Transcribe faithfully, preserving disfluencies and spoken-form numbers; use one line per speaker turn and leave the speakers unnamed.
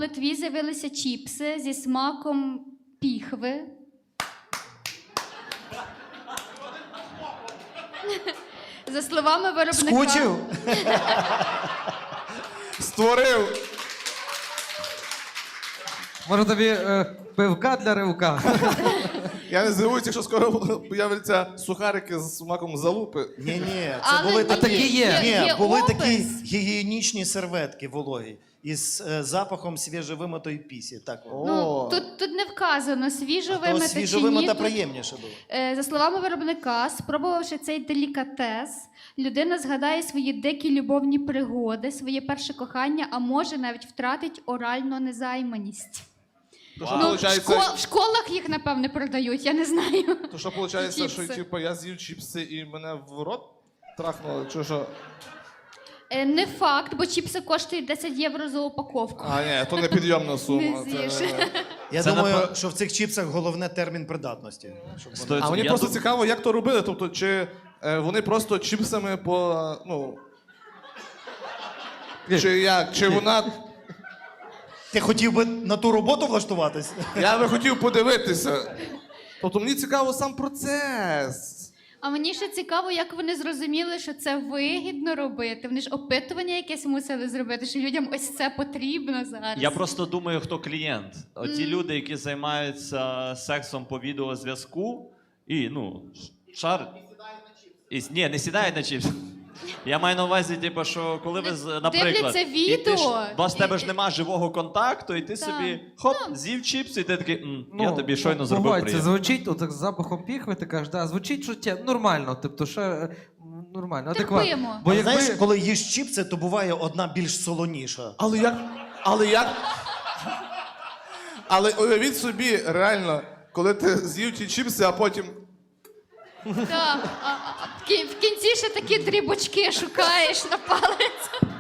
Литві з'явилися чіпси зі смаком піхви. За словами виробника...
Скучив?
Створив.
Може тобі е, пивка для ривка?
Я не здивуюся, якщо скоро появляться сухарики з смаком залупи.
Ні-ні, це
Але
були
ні,
такі,
такі є.
Ні,
Є
були
опис.
такі гігієнічні серветки вологі із е, запахом свіжовимитої пісі. Так.
Ну, тут, тут не вказано,
То
свіжовимита чи
свіжовимита
ні. Тут,
приємніше було.
е, за словами виробника, спробувавши цей делікатес, людина згадає свої дикі любовні пригоди, своє перше кохання, а може навіть втратить оральну незайманість.
То що,
Ну, в,
виходить,
шко- в школах їх, напевне, продають, я не знаю.
то що виходить, що
Чіпси.
типу, я з'їв чіпси і мене в рот трахнуло, чи що?
Е, Не факт, бо чіпси коштують десять євро за упаковку.
А, ні, то не підйомна сума.
Не
Це-
з'їш.
Я
Це
думаю,
напев-
що в цих чіпсах головне термін придатності. Щоб вони-
Сто-
А мені
Я
просто
дум-
цікаво, як то робили. Тобто, чи е, вони просто чіпсами по. Ну. Чи як? Чи вона.
Ти хотів би на ту роботу влаштуватись?
Я би хотів подивитися. Тобто мені цікаво сам процес.
А мені ще цікаво, як вони зрозуміли, що це вигідно робити. Вони ж опитування якесь мусили зробити, що людям ось це потрібно зараз.
Я просто думаю, хто клієнт. Оті люди, які займаються сексом по відеозв'язку, і, ну, ш- шар. І, ні, не сідають на чіпс. Я маю на увазі, типу, що коли ви, з- наприклад,
Дивляться
і ти
відео,
ж, у вас
і-
тебе ж нема живого контакту, і ти
Так.
собі хоп,
Ну.
з'їв чіпс, і ти такий, «М, я тобі щойно зробив
погодь, це
приємно.
звучить, отак з запахом піхви, ти кажеш, да, звучить що тя- нормально, тобто ще е, нормально, адекватно.
Терпимо.
Бо
А
якби...
знаєш, коли їш чіпси, то буває одна більш солоніша.
Але як. Але як. Але уявіть собі, реально, коли ти з'їв ті чіпси, а потім.
Так, а, а в кі- в кінці ще такі дрібочки шукаєш на палець.